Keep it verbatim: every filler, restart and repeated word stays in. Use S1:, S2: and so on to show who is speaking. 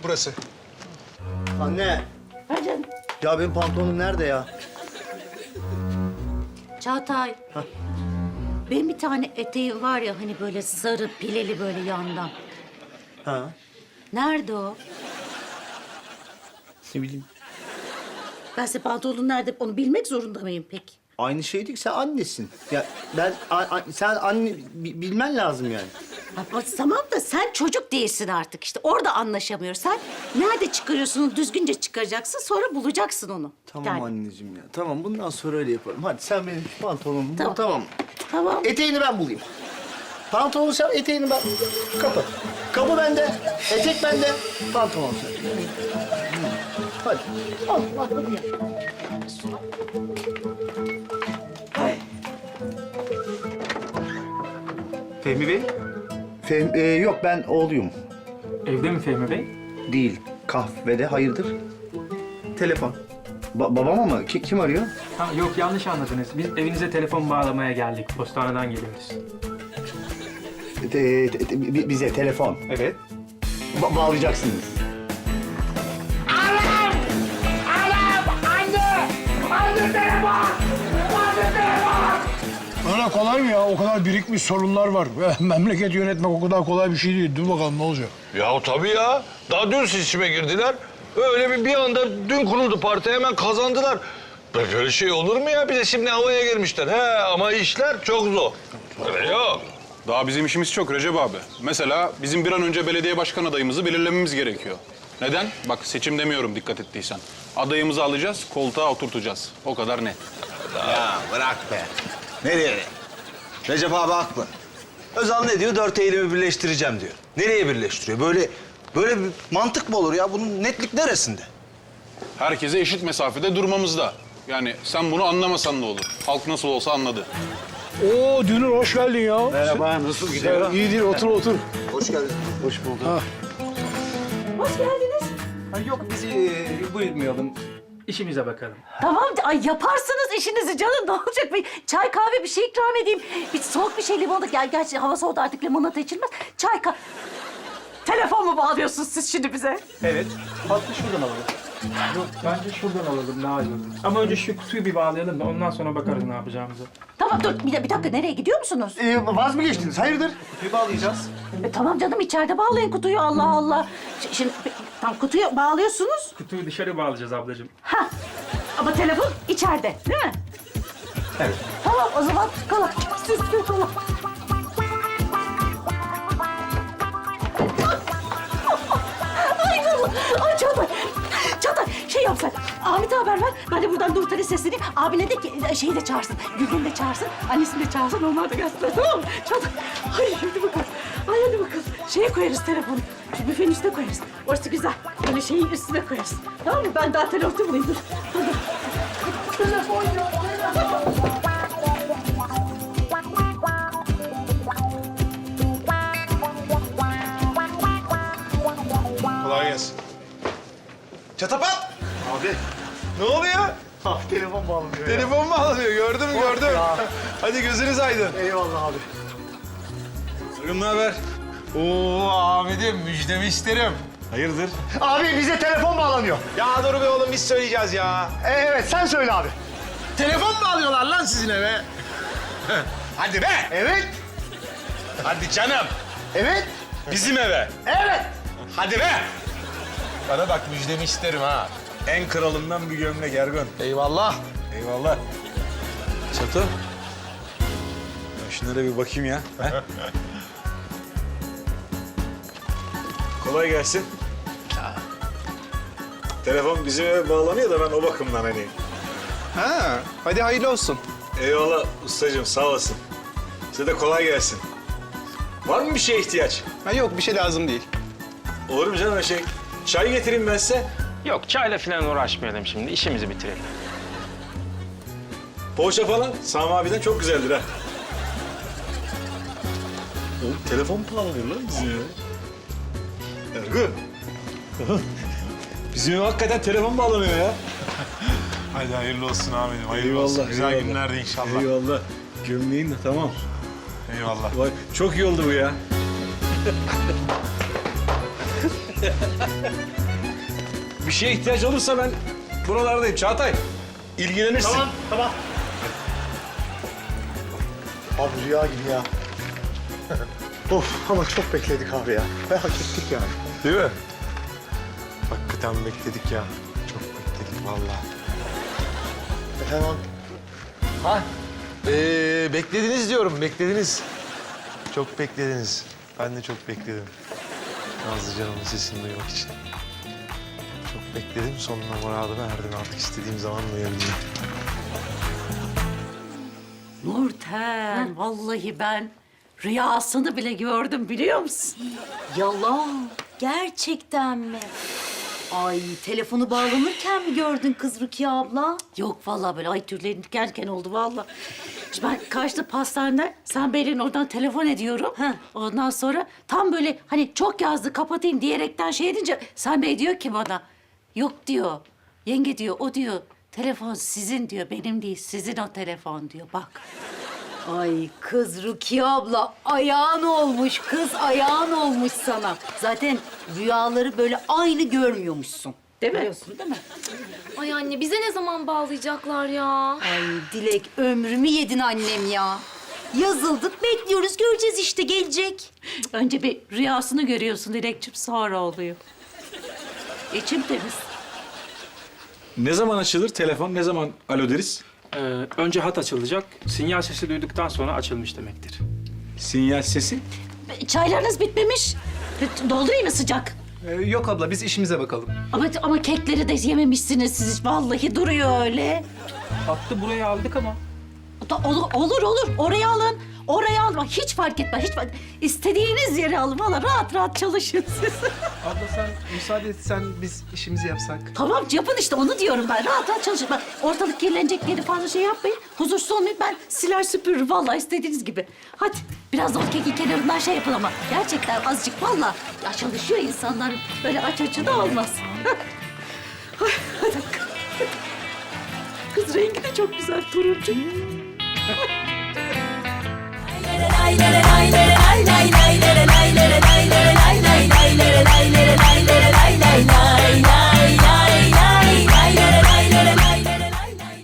S1: burası.
S2: Anne.
S3: Ha canım.
S2: Ya benim pantolonum nerede ya?
S3: Çağatay. Benim bir tane eteğim var ya hani böyle sarı pileli böyle yandan.
S2: Ha.
S3: Nerede o?
S2: Ne bileyim.
S3: Ben size pantolonun nerede onu bilmek zorunda mıyım peki?
S2: Aynı şey değil ki, sen annesin. Ya ben, a, a- sen anne bi- bilmen lazım yani.
S3: Ama tamam da sen çocuk değilsin artık işte. Orada anlaşamıyoruz. Sen nerede çıkarıyorsun onu düzgünce çıkaracaksın sonra bulacaksın onu.
S2: Tamam
S3: Yani.
S2: anneciğim ya. Tamam, bundan sonra öyle yapalım. Hadi sen benim şu pantolonumu bul,
S3: Tamam.
S2: tamam.
S3: Tamam.
S2: Eteğini ben bulayım. Pantolonu sen, eteğini ben... Kapı. Kapı bende, etek bende, pantolon sen. Hadi.
S3: Al, al, hadi ya.
S2: Fehmi Bey? Fehmi, e, yok ben oğluyum.
S4: Evde mi Fehmi Bey?
S2: Değil, kahvede, hayırdır? Telefon. Ba- babam ama ki- kim arıyor?
S4: Ha, yok yanlış anladınız. Biz evinize telefon bağlamaya geldik. Postaneden geliyoruz.
S2: Te- te- te- bi- bize telefon.
S4: Evet.
S2: Ba- bağlayacaksınız.
S1: Öyle kolay mı ya? O kadar birikmiş sorunlar var. Memleket yönetmek o kadar kolay bir şey değil. Dur bakalım ne olacak?
S5: Ya tabii ya. Daha dün seçime girdiler. Öyle bir bir anda dün kuruldu parti hemen kazandılar. Böyle şey olur mu ya? Bir de şimdi havaya girmişler. He ama işler çok zor. Öyle yok.
S6: Daha bizim işimiz çok Recep abi. Mesela bizim bir an önce belediye başkan adayımızı belirlememiz gerekiyor. Neden? Bak seçim demiyorum dikkat ettiysen. Adayımızı alacağız, koltuğa oturtacağız. O kadar net.
S7: Ya bırak be. Nereye? Recep abi haklı. Özal ne diyor? Dört eylemi birleştireceğim diyor. Nereye birleştiriyor? Böyle böyle bir mantık mı olur ya? Bunun netlik neresinde?
S6: Herkese eşit mesafede durmamızda. Yani sen bunu anlamasan da olur. Halk nasıl olsa anladı.
S1: Oo Dünür hoş geldin ya.
S2: Merhaba, nasıl gidiyor?
S1: İyi değil, otur otur.
S2: Hoş geldin. Hoş bulduk.
S3: Hoş geldiniz.
S4: Ha, yok biz e, buyurmayalım. İşimize bakalım.
S3: Tamam, ay yaparsınız işinizi canım. Ne olacak? Bir çay kahve bir şey ikram edeyim. Bir soğuk bir şey limonata. Gel, gerçi hava soğudu artık limonata içilmez. Çay kahve... Telefon mu bağlıyorsunuz siz şimdi bize?
S4: Evet. Hattı şuradan alalım. Yok bence şuradan alalım daha iyi olur. Ama önce şu kutuyu bir bağlayalım da ondan sonra bakarız ne yapacağımıza.
S3: Tamam dur bir, bir dakika nereye gidiyor musunuz?
S2: Ee, vaz mı geçtiniz? Hayırdır?
S4: Kutuyu bağlayacağız.
S3: E, tamam canım içeride bağlayın kutuyu Allah Allah. Ş- Şimdi tam kutuyu bağlıyorsunuz.
S4: Kutuyu dışarı bağlayacağız ablacığım.
S3: Ha. Ama telefon içeride değil mi?
S4: Evet.
S3: Tamam o zaman kolay. Siz kolay. Ay Allah. Ay Çağatay. Çağatay şey yapsan. Ahmet'e haber ver. Ben de buradan Nurten'e sesleneyim. Abine de ki e, şeyi de çağırsın. Gülden'i de çağırsın. Annesini de çağırsın. Onlar da gelsinler tamam mı? Çağatay. Ay hadi bakalım. Ay hadi bakalım. Şeye koyarız telefonu. Şu büfenin üstüne koyarız. Orası güzel. Böyle şeyin üstüne koyarız. Tamam mı? Ben daha telefonu bulayım. Dur. Hadi. Telefon ya. Telefon.
S1: Kolay gelsin.
S7: Çatapat!
S2: Abi.
S1: Ne oluyor?
S2: Abi telefon bağlanıyor ya.
S1: Telefon mu alınıyor? Gördüm gördüm.
S2: ya.
S1: Hadi gözünüz aydın.
S2: Eyvallah abi.
S1: Sarım ne haber? Oo Ahmet'im müjdemi isterim. Hayırdır?
S2: Abi bize telefon bağlanıyor.
S1: Ya dur be oğlum biz söyleyeceğiz ya.
S2: Ee, evet sen söyle abi.
S1: Telefon mu alıyorlar lan sizin eve? Hadi be!
S2: Evet.
S1: Hadi canım.
S2: Evet.
S1: Bizim eve.
S2: Evet.
S1: Hadi be! Bana bak müjdemi isterim ha. En kralından bir gömlek Ergun. Eyvallah. Eyvallah. Çatı. Ben şunlara bir bakayım ya.
S8: Kolay gelsin. Telefon bizim eve bağlanıyor da ben o bakımdan hani.
S1: Ha, hadi hayırlı olsun.
S8: Eyvallah ustacığım sağ olasın. Size de kolay gelsin. Var mı bir şeye ihtiyaç?
S1: Ha, yok bir şey lazım değil.
S8: Olur mu canım şey? Çay getireyim ben size.
S9: Yok çayla falan uğraşmayalım şimdi. İşimizi bitirelim.
S8: Poğaça falan Sami abiden çok güzeldir ha. Oğlum telefon mu bağlanıyor lan bizim eve? Ergun. Bizim eve hakikaten telefon bağlanıyor ya.
S1: Hadi hayırlı olsun Ahmet'im. Hayırlı
S8: Eyvallah,
S1: olsun. Güzel
S8: eyvallah.
S1: günlerde inşallah.
S8: Eyvallah. Gömleğin de tamam.
S1: Eyvallah.
S8: Vay, çok iyi oldu bu ya. Bir şeye ihtiyaç olursa ben buralardayım. Çağatay, ilgilenirsin.
S2: Tamam, tamam. Abi rüya gibi ya. Of ama çok bekledik abi ya. Ve hak ettik yani.
S1: Değil mi? Hakikaten bekledik ya. Çok bekledik vallahi.
S2: Efendim?
S1: Ha? Ee, beklediniz diyorum, beklediniz. Çok beklediniz. Ben de çok bekledim. Nazlı canımın sesini duymak için. Çok bekledim, sonuna muradına erdim. Artık istediğim zaman duyabileceğim.
S3: Nurten, vallahi ben rüyasını bile gördüm biliyor musun?
S10: Yalan. Gerçekten mi? Ay telefonu bağlanırken mi gördün kız Rukiye abla?
S3: Yok vallahi böyle ay tüylerim diken oldu vallahi. Şimdi ben karşıda pastanede sen Beylerin oradan telefon ediyorum.
S10: Heh.
S3: Ondan sonra tam böyle hani çok yazdı kapatayım diyerekten şey edince sen Bey diyor ki bana yok diyor. Yenge diyor o diyor telefon sizin diyor benim değil sizin o telefon diyor bak.
S10: Ay kız Rukiye abla ayağın olmuş kız ayağın olmuş sana. Zaten rüyaları böyle aynı görmüyormuşsun.
S3: Değil mi?
S10: Biliyorsun değil mi?
S11: Ay anne bize ne zaman bağlayacaklar ya?
S10: Ay Dilek ömrümü yedin annem ya. Yazıldık bekliyoruz göreceğiz işte gelecek.
S3: Önce bir rüyasını görüyorsun Dilekçim sonra oluyor. İçim temiz.
S8: Ne zaman açılır telefon? Ne zaman alo deriz?
S4: Ee, önce hat açılacak. Sinyal sesi duyduktan sonra açılmış demektir.
S8: Sinyal sesi.
S3: Çaylarınız bitmemiş. Doldurayım mı sıcak?
S12: Ee, yok abla biz işimize bakalım.
S3: Ama ama kekleri de yememişsiniz siz. Vallahi duruyor öyle.
S4: Hattı buraya aldık ama.
S3: Da- Olur, olur, olur. Oraya alın. Oraya alın. Bak, hiç fark etmez. Hiç fark... İstediğiniz yere alın. Valla rahat rahat çalışın siz.
S12: Abla sen müsaade etsen biz işimizi yapsak.
S3: Tamam yapın işte onu diyorum ben. Rahat rahat çalışın. Bak ortalık kirlenecek diye de fazla şey yapmayın. Huzursuz olmayın. Ben siler süpürürüm. Vallahi istediğiniz gibi. Hadi biraz da o kekin kenarından şey yapın ama. Gerçekten azıcık vallahi. Ya çalışıyor insanlar. Böyle aç açı da olmaz. Ay, hadi. Kız rengi de çok güzel turuncu.
S10: Lay lay lay